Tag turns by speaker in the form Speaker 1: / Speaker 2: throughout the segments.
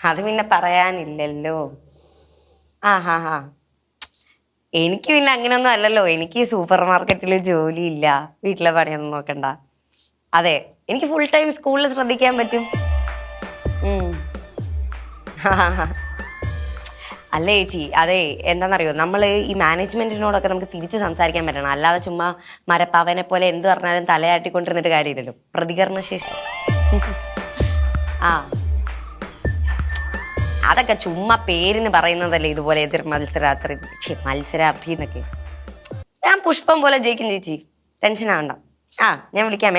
Speaker 1: അത് പിന്നെ പറയാനില്ലല്ലോ. ഹാ എനിക്ക് പിന്നെ അങ്ങനെയൊന്നും അല്ലല്ലോ. എനിക്ക് സൂപ്പർ മാർക്കറ്റിൽ ജോലിയില്ല, വീട്ടിലെ പണിയൊന്നും നോക്കണ്ട. അതെ, എനിക്ക് ഫുൾ ടൈം സ്കൂളിൽ ശ്രദ്ധിക്കാൻ പറ്റും. അല്ലേ ചേച്ചി, അതെ എന്താണെന്നറിയോ, നമ്മൾ ഈ മാനേജ്മെന്റിനോടൊക്കെ നമുക്ക് തിരിച്ച് സംസാരിക്കാൻ പറ്റണം. അല്ലാതെ ചുമ്മാ മരപ്പാവനെ പോലെ എന്ത് പറഞ്ഞാലും തലയാട്ടിക്കൊണ്ടിരുന്നിട്ട് കാര്യമില്ലല്ലോ. പ്രതികരണശേഷി അതൊക്കെ ചുമ്മാ പേരിന് പറയുന്നതല്ലേ. ഇതുപോലെ എതിർ മത്സരാർത്ഥി എന്നൊക്കെ. ഞാൻ പുഷ്പം പോലെ ജയിക്കും ചേച്ചി, ടെൻഷൻ ആവണ്ട. ഞാൻ വിളിക്കാമേ.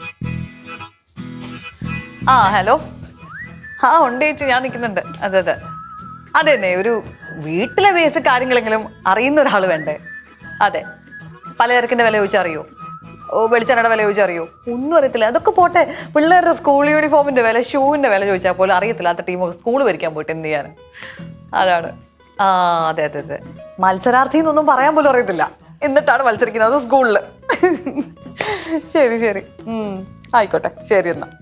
Speaker 2: ഹലോ. ഉണ്ട് ചേച്ചി, ഞാൻ നിൽക്കുന്നുണ്ട്. അതെ അതെന്നെ, ഒരു വീട്ടിലെ ബേസിക് കാര്യങ്ങളെങ്കിലും അറിയുന്ന ഒരാൾ വേണ്ടേ? അതെ, പലചരക്കിന്റെ വില ചോദിച്ചറിയോ? വെളിച്ചെണ്ണയുടെ വില ചോദിച്ചറിയോ? ഒന്നും അറിയത്തില്ല. അതൊക്കെ പോട്ടെ, പിള്ളേരുടെ സ്കൂൾ യൂണിഫോമിന്റെ വില, ഷൂവിന്റെ വില ചോദിച്ചാൽ പോലും അറിയത്തില്ലാത്ത ടീമൊക്കെ സ്കൂൾ ഭരിക്കാൻ പോയിട്ട് എന്ത് ചെയ്യാൻ? അതാണ്. അതെ മത്സരാർത്ഥി എന്നൊന്നും പറയാൻ പോലും അറിയത്തില്ല, എന്നിട്ടാണ് മത്സരിക്കുന്നത് സ്കൂളിൽ. ശരി ആയിക്കോട്ടെ, ശരി എന്നാ.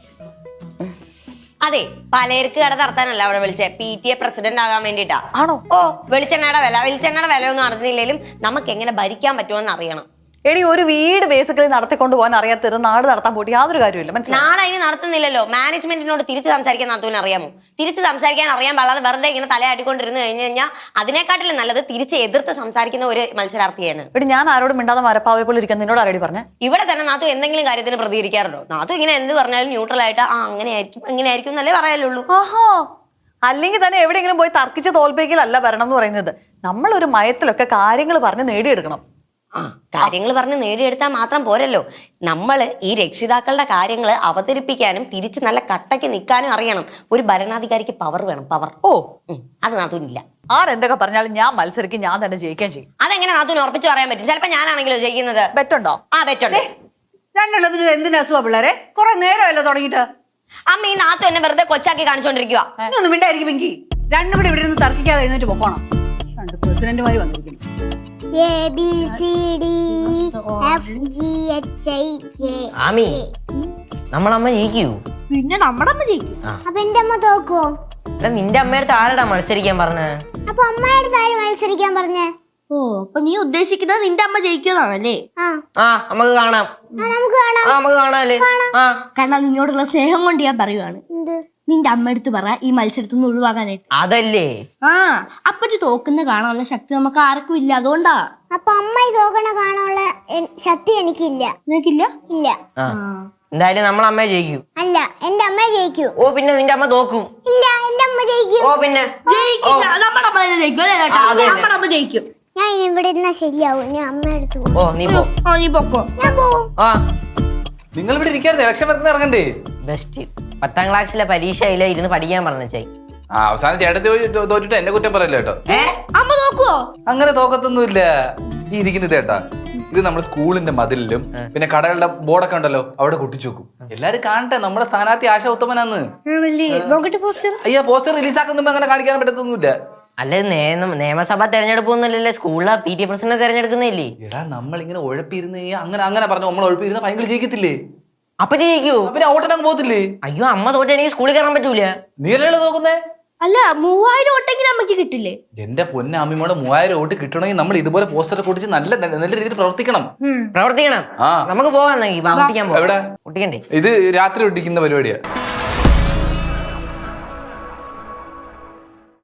Speaker 1: അതെ, പലചരക്ക് കട നടത്താനല്ല അവിടെ വിളിച്ചേ, PTA പ്രസിഡന്റ് ആകാൻ വേണ്ടിട്ടാ.
Speaker 2: ആണോ?
Speaker 1: വെളിച്ചെണ്ണയുടെ വില ഒന്നും അറിഞ്ഞില്ലെങ്കിലും നമുക്ക് എങ്ങനെ ഭരിക്കാൻ പറ്റുമെന്ന് അറിയണം.
Speaker 2: എടി, ഒരു വീട് ബേസിക്കലി നടത്തിക്കൊണ്ട് പോകാൻ അറിയാത്തത് നാട് നടത്താൻ പോയിട്ട് യാതൊരു കാര്യമില്ല.
Speaker 1: നാട് അതിന് നടത്തുന്നില്ലല്ലോ. മാനേജ്മെന്റിനോട് തിരിച്ച് സംസാരിക്കാൻ നാത്തൂന് അറിയാമോ? തിരിച്ച് സംസാരിക്കാൻ അറിയാൻ പാടാതെ വെറുതെ ഇങ്ങനെ തലയാട്ടിക്കൊണ്ടിരുന്ന് കഴിഞ്ഞു കഴിഞ്ഞാൽ അതിനെക്കാട്ടിലും നല്ലത് തിരിച്ച് എതിർത്ത് സംസാരിക്കുന്ന ഒരു മത്സരാർത്ഥിയാണ്.
Speaker 2: എടി, ഞാൻ ആരോടും മിണ്ടാതെ മരപ്പാവയെ പോലെ ഇരിക്കാൻ നിന്നോട് ആരോടി പറഞ്ഞേ?
Speaker 1: ഇവിടെ തന്നെ നാത്തു എന്തെങ്കിലും കാര്യത്തിന് പ്രതികരിക്കാറുണ്ടോ? നാത്തു ഇങ്ങനെ എന്ത് പറഞ്ഞാലും ന്യൂട്രൽ ആയിട്ട് അങ്ങനെയായിരിക്കും എന്നല്ലേ പറയാലുള്ളൂ.
Speaker 2: അല്ലെങ്കിൽ തന്നെ എവിടെയെങ്കിലും പോയി തർക്കിച്ച് തോൽപ്പിക്കലല്ല ഭരണം എന്ന് പറയുന്നത്. നമ്മളൊരു മയത്തിലൊക്കെ കാര്യങ്ങൾ പറഞ്ഞ് നേടിയെടുക്കണം.
Speaker 1: കാര്യങ്ങൾ പറഞ്ഞ് നേടിയെടുത്താൽ മാത്രം പോരല്ലോ, നമ്മൾ ഈ രക്ഷിതാക്കളുടെ കാര്യങ്ങൾ അവതരിപ്പിക്കാനും തിരിച്ച് നല്ല കട്ടയ്ക്ക് നിൽക്കാനും അറിയണം. ഒരു ഭരണാധികാരിക്ക് പവർ വേണം, പവർ. അത് നാത്തൂനില്ല.
Speaker 2: ആരെന്തൊക്കെ പറഞ്ഞാലും ഞാൻ മത്സരിക്കും, ഞാൻ തന്നെ ജയിക്കാൻ ചെയ്യും.
Speaker 1: അതെങ്ങനെ നാത്തൂന് ഉറപ്പിച്ച് പറയാൻ പറ്റും? ചിലപ്പോ ഞാനാണെങ്കിലോ ജയിക്കുന്നത്.
Speaker 2: ബെറ്റുണ്ടോ?
Speaker 1: ബെറ്റുണ്ട്.
Speaker 3: രണ്ടെണ്ണത്തിന് എന്തിനാ അസുഖ പിള്ളേരെ? കുറെ നേരമല്ലോ തുടങ്ങിയിട്ട്.
Speaker 1: അമ്മ, ഈ നാത്തു എന്നെ വെറുതെ കൊച്ചാക്കി കാണിച്ചോണ്ടിരിക്കുക.
Speaker 3: ഒന്നും മിണ്ടായിരിക്കും പെങ്കി. രണ്ടും കൂടി ഇവിടെ നിന്ന് തർക്കിക്കാതെ എഴുന്നേറ്റ് പോകണം. രണ്ട് പ്രസിഡന്റുമാര് വന്നിരിക്കുന്നു.
Speaker 4: ആമി, നമ്മളമ്മ ജയിക്കൂ?
Speaker 5: പിന്നെ നമ്മുടെ അമ്മ ജയിക്കും.
Speaker 6: അപ്പൊ എന്റെ അമ്മ തോക്കുവോ?
Speaker 4: നിന്റെ അമ്മയുടെ ആരടാ മത്സരിക്കാൻ പറഞ്ഞ?
Speaker 6: അപ്പൊ അമ്മയുടെ ആര് മത്സരിക്കാൻ പറഞ്ഞേ?
Speaker 5: അപ്പൊ നീ ഉദ്ദേശിക്കുന്നത് നിന്റെ അമ്മ ജയിക്കുന്നാണല്ലേ?
Speaker 4: നമുക്ക് കാണാം, നമുക്ക് കാണാല്ലേ?
Speaker 5: കാരണം നിന്നോടുള്ള സ്നേഹം കൊണ്ട് ഞാൻ പറയുവാണ്. നിന്റെ അമ്മ എടുത്ത് പറ ഈ മത്സരത്തിൽ നിന്ന് ഒഴിവാക്കാനായിട്ട്.
Speaker 4: അതല്ലേ
Speaker 5: അപ്പറ്റി തോക്കുന്ന കാണാനുള്ള ശക്തി നമുക്ക് ആർക്കും ഇല്ല, അതുകൊണ്ടാ.
Speaker 6: അപ്പൊ അമ്മ തോക്കണ കാണാനുള്ള ശക്തി എനിക്കില്ല.
Speaker 5: നിനക്കില്ല?
Speaker 6: ഇല്ല.
Speaker 4: എന്തായാലും നമ്മളെ അമ്മയെ ജയിക്കൂ?
Speaker 6: അല്ല, എന്റെ അമ്മ ജയിക്കൂ.
Speaker 4: പിന്നെ നിന്റെ അമ്മ തോക്കും?
Speaker 6: ഇല്ല, എന്റെ അമ്മ ജയിക്കും.
Speaker 4: പിന്നെ
Speaker 5: നമ്മുടെ അമ്മ ജയിക്കും അല്ലേ? നമ്മുടെ അമ്മ ജയിക്കും.
Speaker 6: ഞാൻ ഇനി ഇവിടെ ഇരുന്നാ ശരിയാവും. ഞാൻ അമ്മ എടുത്തു.
Speaker 5: നീ പൊക്കോ.
Speaker 6: ഞാൻ പോവും.
Speaker 7: നിങ്ങൾ ഇവിടെ ഇരിക്കായിരുന്നു, ഇലക്ഷൻ വരുന്ന ഇറങ്ങണ്ടേ?
Speaker 4: ബെസ്റ്റ്. 10ാം ക്ലാസ്സിലെ പരീക്ഷയിലെ ഇരുന്ന് പഠിക്കാൻ പറഞ്ഞേ.
Speaker 7: അവസാനം ചേട്ടത്തി തോറ്റിട്ട് എന്നെ കുറ്റം പറയല്ലോ കേട്ടോ.
Speaker 5: അമ്മ നോക്കുവോ?
Speaker 7: അങ്ങനെ തോക്കത്തൊന്നുമില്ല. ഈ ഇരിക്കുന്നത് കേട്ടാ, ഇത് നമ്മുടെ സ്കൂളിന്റെ മതിലിലും പിന്നെ കടകളുടെ ബോർഡൊക്കെ ഉണ്ടല്ലോ അവിടെ കുട്ടിച്ചു വെക്കും. എല്ലാരും കാണട്ടെ നമ്മുടെ സ്ഥാനാർത്ഥി ആശ ഉത്തമനാന്ന്. അയ്യാ, പോസ്റ്റർ റിലീസാക്കുമ്പോ അങ്ങനെ കാണിക്കാൻ പറ്റത്തൊന്നുമില്ല.
Speaker 4: അല്ലെ, നിയമസഭാ തെരഞ്ഞെടുപ്പൊന്നുമില്ലല്ലേ, സ്കൂളിലെ PTA പ്രസിഡന്റ് തെരഞ്ഞെടുക്കുന്നില്ലേ?
Speaker 7: എടാ, നമ്മളിങ്ങനെ ഉഴപ്പിരുന്ന് അങ്ങനെ പറഞ്ഞു നമ്മൾ ഉഴപ്പിരുന്ന ഭയങ്കര ജയിക്കത്തില്ലേ?
Speaker 4: അപ്പൊ ജയിക്കൂ?
Speaker 7: പിന്നെ ഓട്ടനങ്ങ് പോകത്തില്ലേ?
Speaker 4: അയ്യോ, അമ്മ തോറ്റെനിക്ക് സ്കൂളിൽ കയറാൻ പറ്റൂല.
Speaker 7: നീ അല്ലേ നോക്കുന്നേ?
Speaker 5: അല്ല, 3000 വോട്ടെങ്കിലും അമ്മക്ക് കിട്ടില്ലേ?
Speaker 7: എന്റെ പൊന്നെ അമ്മിമോടെ 3000 വോട്ട് കിട്ടണമെങ്കിൽ നമ്മൾ ഇതുപോലെ പോസ്റ്റർ പൊട്ടിച്ച് നല്ല രീതിയിൽ പ്രവർത്തിക്കണം.
Speaker 4: നമുക്ക് പോകാൻ
Speaker 7: എവിടെ?
Speaker 4: ഒട്ടിക്കണ്ടേ?
Speaker 7: ഇത് രാത്രി ഒട്ടിക്കുന്ന പരിപാടിയാ.